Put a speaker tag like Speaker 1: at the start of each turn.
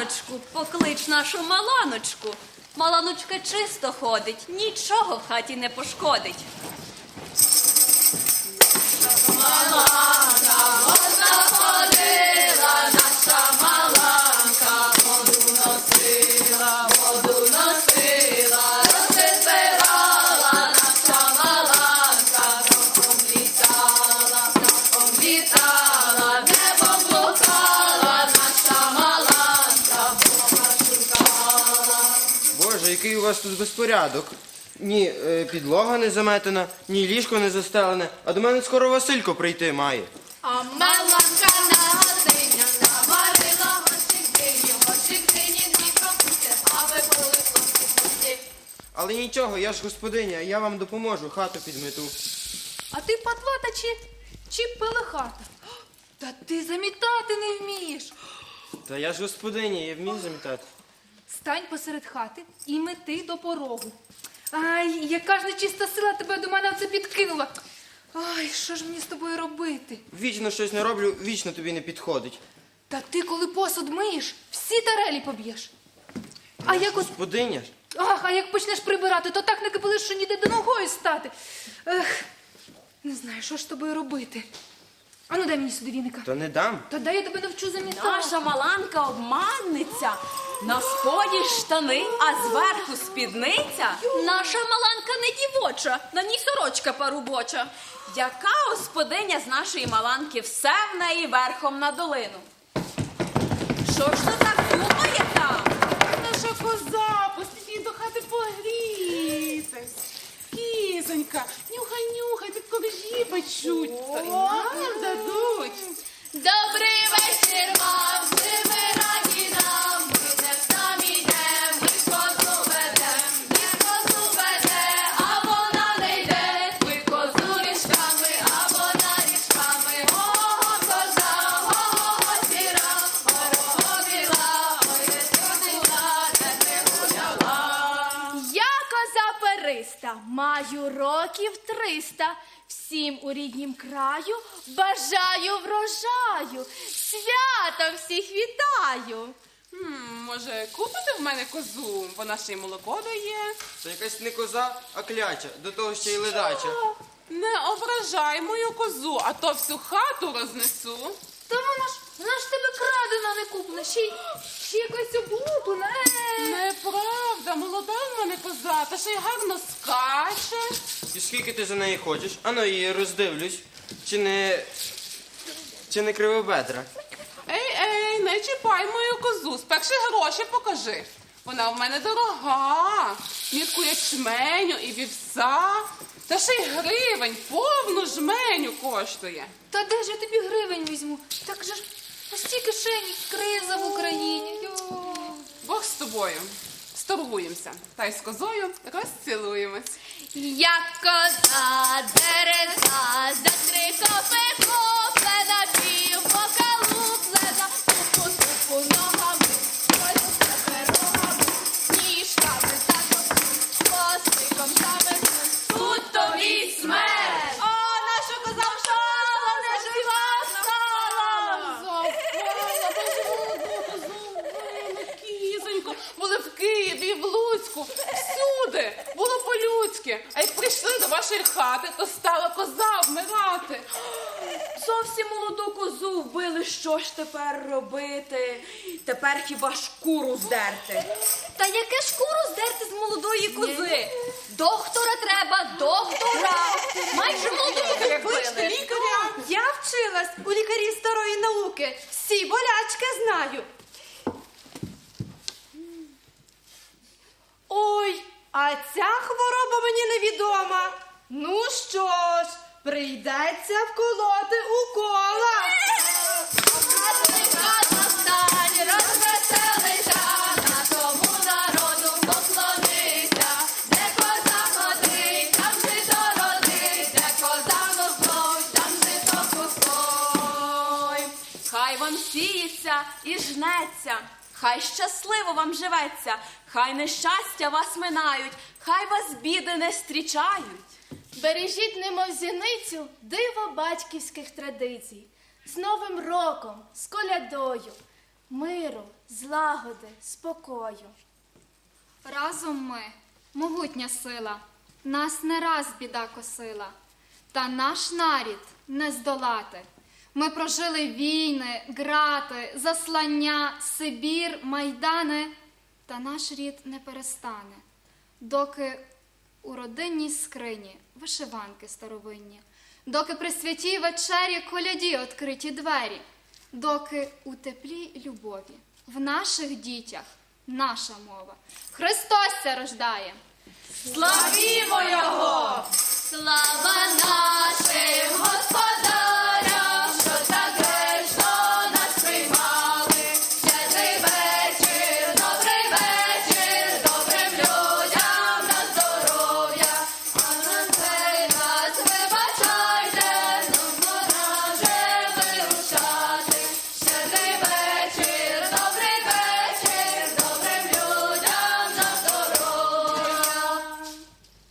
Speaker 1: Маланочку, поклич нашу Маланочку. Маланочка чисто ходить, нічого в хаті не пошкодить. Маланка, одна ходила, наша Маланка, воду носила, роси збирала, наша Маланка, птахом літала, небом блукала, наша Маланка, Бога шукала.
Speaker 2: Боже, який у вас тут безпорядок. Ні підлога не заметена, ні ліжко не застелене, а до мене скоро Василько прийти має.
Speaker 1: А Маланка на газиня наварила гостик дині дві капусти, аби були хлопці пусті.
Speaker 2: Але нічого, я ж господиня, я вам допоможу, хату підмету.
Speaker 3: А ти патлата чи пелехата? Та ти замітати не вмієш.
Speaker 2: Та я ж господиня, я вмію замітати.
Speaker 3: Стань посеред хати і мети до порогу. Ай, яка ж нечиста сила тебе до мене оце підкинула. Ай, що ж мені з тобою робити?
Speaker 2: Вічно щось не роблю, вічно тобі не підходить.
Speaker 3: Та ти, коли посуд миєш, всі тарелі поб'єш. А як от...
Speaker 2: Господиня ж.
Speaker 3: Ах, а як почнеш прибирати, то так не кипелиш, що ніде до ногою стати. Ех, не знаю, що ж з тобою робити. Ану, дай мені сюди віника.
Speaker 2: То не дам.
Speaker 3: Та дай я тебе навчу замітати.
Speaker 1: Наша Маланка обманниця, на споді штани, а зверху спідниця. Наша Маланка не дівоча, на ній сорочка парубоча. Яка господиня з нашої Маланки, все в неї верхом на долину. Що ж то так думає там?
Speaker 4: Наша коза, поспішіть до хати погрітись. Кізонька, нюхай, тут коржі печуть, то й нам дадуть.
Speaker 1: Добрий вечір вам, ми раді нам, ми не самі йдем, ми козу веде, а вона не йде, ми козу річками, а вона річками. Ого, коза, ого, сіра, ого, біла, ой, не ходила, не гуляла.
Speaker 5: Я коза периста, маю років 300, всім у ріднім краю бажаю врожаю, святом всіх вітаю.
Speaker 4: Може, купите в мене козу? Вона ще й молоко дає.
Speaker 2: Це якась не коза, а кляча, до того ще й ледача.
Speaker 4: Не ображай мою козу, а то всю хату рознесу.
Speaker 3: Та вона ж тебе крадена, не куплена, ще якась облуплена.
Speaker 4: Неправда, молода в мене коза, та ще й гарно скаче.
Speaker 2: І скільки ти за неї хочеш? Ану її роздивлюсь. Чи не кривобедра?
Speaker 4: Ей, не чіпай мою козу, спершу гроші покажи. Вона в мене дорога, мітку ячменю і вівса, та ще й гривень, повну жменю коштує.
Speaker 3: Та де ж я тобі гривень візьму? Так же ж пусті кишені, криза в Україні. Йо.
Speaker 4: Бог з тобою, сторгуємося, та й з козою розцілуємось.
Speaker 5: Я коза дереза, за 3 копи куплена, пів бока луплена, тупу ногами, польку рогами, ніжками закопну, хвостиком заверну.
Speaker 1: Тут тобі смерть! О, наша коза вшала, не жива стала!
Speaker 4: Запала, кізонько, були в Києві, в Луцьку, всюди, було по-людськи. А як прийшли до вашої хати, то стала коза вмирати.
Speaker 1: Зовсім молоду козу вбили, що ж тепер робити? Тепер хіба шкуру здерти? Та яке шкуру здерти з молодої кози? Доктора треба, доктора! Майже молодої
Speaker 4: Кличте лікаря.
Speaker 6: Я вчилась у лікарів старої науки. Всі болячки знаю. Ой, а ця хвороба мені невідома. Ну що ж, прийдеться вколоти укола.
Speaker 1: Розвеселися, на тому народу поклонися, де коза ходить, там жито родить, де коза носить, там жито кустой. Хай вам сіється і жнеться, хай щасливо вам живеться, хай нещастя вас минають, хай вас біди не зустрічають.
Speaker 5: Бережіть, немов зіницю, диво батьківських традицій. З Новим роком, з колядою. миру, злагоди, спокою.
Speaker 7: Разом ми, могутня сила, нас не раз біда косила, та наш нарід не здолати. Ми прожили війни, грати, заслання, Сибір, майдани, та наш рід не перестане, доки у родинній скрині вишиванки старовинні, доки при святій вечері коляді відкриті двері, доки у теплій любові в наших дітях наша мова. Христос ся рождає!
Speaker 1: Славімо Його! Слава нашим Господь!